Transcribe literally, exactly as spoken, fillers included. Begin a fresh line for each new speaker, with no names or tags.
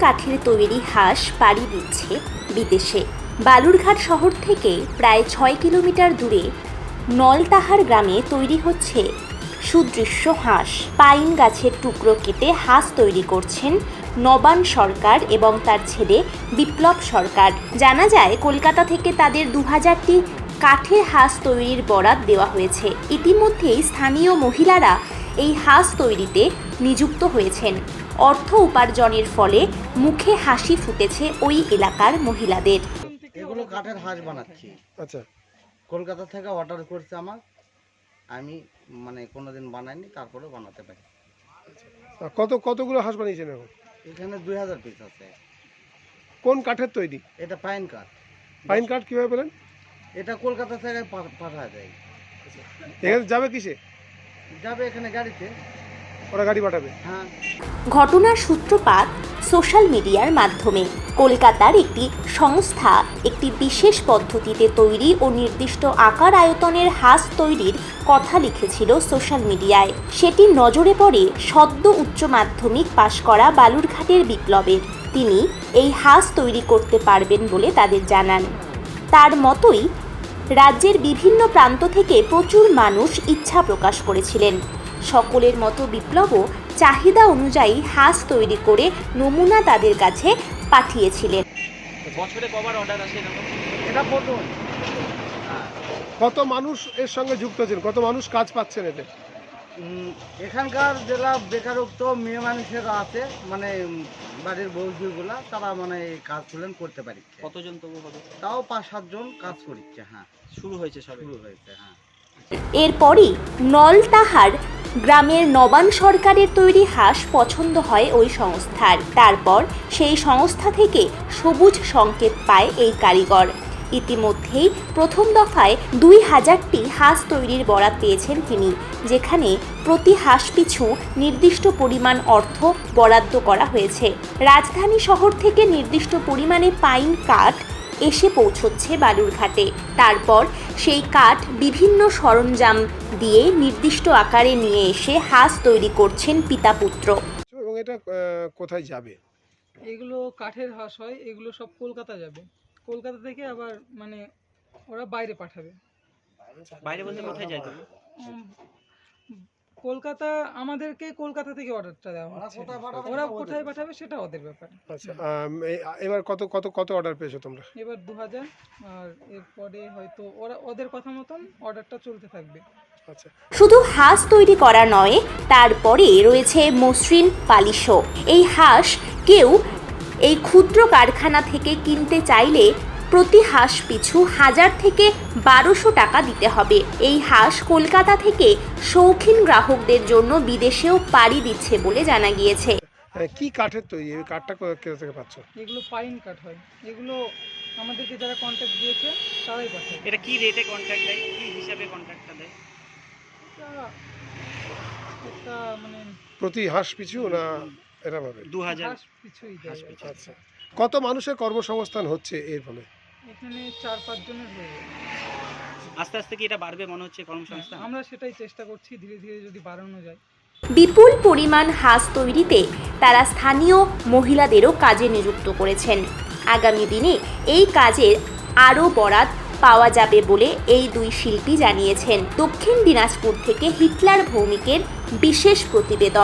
কাঠের তৈরি হাঁস পাড়ি দিচ্ছে বিদেশে। বালুরঘাট শহর থেকে প্রায় ছয় কিলোমিটার দূরে নলতাহার গ্রামে তৈরি হচ্ছে সুদৃশ্য হাঁস। পাইন গাছের টুকরো কেটে হাঁস তৈরি করছেন নবান সরকার এবং তার ছেলে বিপ্লব সরকার। জানা যায় কলকাতা থেকে তাদের দু হাজারটি কাঠের হাঁস তৈরির বরাত দেওয়া হয়েছে। ইতিমধ্যেই স্থানীয় মহিলারা এই হাঁস তৈরিতে নিযুক্ত হয়েছেন। অর্থ উপার্জনের ফলে মুখে হাসি ফুটেছে ওই এলাকার মহিলাদের।
এগুলো কাঠের হাঁস বানাচ্ছি।
আচ্ছা,
কলকাতা থেকে অর্ডার করছে আমার, আমি মানে কোনোদিন বানাইনি, তারপরে বানাতে পারি।
কত কতগুলো হাঁস বানিয়েছেন এখন?
এখানে দুই হাজার পিস আছে।
কোন কাঠের তৈরি?
এটা পাইন কাঠ।
পাইন কাঠ কিভাবে পেলেন?
এটা কলকাতা থেকে পা- পাঠায় যায়।
এখানে যাবে কিসে?
যাবে এখানে গাড়িতে।
ওরা গাড়ি পাঠাবে?
হ্যাঁ।
ঘটনার সূত্রপাত সোশ্যাল মিডিয়ার মাধ্যমে। কলকাতার একটি সংস্থা একটি বিশেষ পদ্ধতিতে তৈরি ও নির্দিষ্ট আকার আয়তনের হাঁস তৈরির কথা লিখেছিল সোশ্যাল মিডিয়ায়। সেটি নজরে পড়ে সদ্য উচ্চ মাধ্যমিক পাশ করা বালুরঘাটের বিপ্লবের। তিনি এই হাঁস তৈরি করতে পারবেন বলে তাদের জানান। তার মতোই রাজ্যের বিভিন্ন প্রান্ত থেকে প্রচুর মানুষ ইচ্ছা প্রকাশ করেছিলেন। সকলের মতো বিপ্লবও চাহিদা অনুযায়ী হাঁস তৈরি করে নমুনা তাদের কাছে পাঠিয়েছিলেন।
বছরে কবার অর্ডার আসে এরকম?
এটা প্রথম।
কত মানুষ এর সঙ্গে যুক্ত আছেন? কত মানুষ কাজ পাচ্ছেন এতে?
উম, এখানকার যারা বেকারত্ব মেয়ে মানুষেরা আছে, মানে উম, বাড়ির বৌদিগুলা, তারা মানে এই কাজ তুলেন করতে পারি।
কতজন তবু হবে?
তাও পাঁচ সাতজন কাজ করছে। হ্যাঁ,
শুরু হয়েছে সবে?
শুরু হয়েছে। হ্যাঁ।
এরপরই নলতাহার গ্রামের নবান সরকারের তৈরি হাঁস পছন্দ হয় ওই সংস্থার। তারপর সেই সংস্থা থেকে সবুজ সংকেত পায় এই কারিগর। ইতিমধ্যেই প্রথম দফায় দুই হাজারটি হাঁস তৈরির বরাত পেয়েছেন তিনি, যেখানে প্রতি হাঁস পিছু নির্দিষ্ট পরিমাণ অর্থ বরাদ্দ করা হয়েছে। রাজধানী শহর থেকে নির্দিষ্ট পরিমাণে পাইন কাঠ এসে পৌঁছচ্ছে বালুরঘাটে। তারপর সেই কাঠ বিভিন্ন সরঞ্জাম দিয়ে নির্দিষ্ট আকারে নিয়ে এসে হাঁস তৈরি করছেন পিতা পুত্র।
এবং এটা আহ, কোথায় যাবে?
এগুলো কাঠের হাঁস হয়, এগুলো সব কলকাতা যাবে। কলকাতা থেকে আবার মানে ওরা বাইরে পাঠাবে।
বাইরে বলতে কোথায় যায় তুমি?
উম, কলকাতা, আমাদেরকে কলকাতা থেকে অর্ডারটা দেওয়া হচ্ছে। ওরা কোথায় পাঠাবে সেটা ওদের ব্যাপার।
আচ্ছা, আম, এই- এবার কত কত কত অর্ডার পেয়েছো তোমরা?
এবার দু হাজার, আর এরপরে হয়তো ওরা ওদের কথা মতন অর্ডারটা চলতে থাকবে।
আচ্ছা,
শুধু হাঁস তৈরি করা নয়, তারপরে রয়েছে মসৃণ পালিশও। এই হাঁস কেউ এই ক্ষুদ্র কারখানা থেকে কিনতে চাইলে প্রতি হাঁস পিছু হাজার থেকে বারোশো টাকা দিতে হবে। এই হাঁস কলকাতা থেকে শৌখিন গ্রাহকদের জন্য বিদেশেও পাড়ি দিচ্ছে বলে জানা গিয়েছে।
আহ, কি কাঠের তৈরি? এই কাঠটা কো- কোথা থেকে পাচ্ছ?
এগুলো পাইন কাঠ হয়। এগুলো আমাদেরকে যারা কন্ট্যাক্ট দিয়েছে তারাই পাঠাবে।
এটা কি রেটে কন্ট্রাক্ট দেয়? কি হিসাবে কন্ট্রাক্টটা দেয়?
এটা একটা মানে
প্রতি হাঁস পিছু না এরা ভাবে?
দু হাজার
হাঁস পিছুই দেয়।
আচ্ছা, কত মানুষের কর্মসংস্থান হচ্ছে এর ফলে?
এখানে চার পাঁচ জনের হয়ে যাবে।
আস্তে আস্তে কি এটা বাড়বে মনে হচ্ছে কর্মসংস্থান?
আমরা সেটাই চেষ্টা করছি, ধীরে ধীরে যদি বাড়ানো যায়।
বিপুল পরিমাণ হাঁস তৈরিতে তারা স্থানীয় মহিলাদেরও কাজে নিযুক্ত করেছেন। আগামী দিনে এই কাজের আরও বরাত পাওয়া যাবে বলে এই দুই শিল্পী জানিয়েছেন। দক্ষিণ দিনাজপুর থেকে হিটলার ভৌমিকের বিশেষ প্রতিবেদন।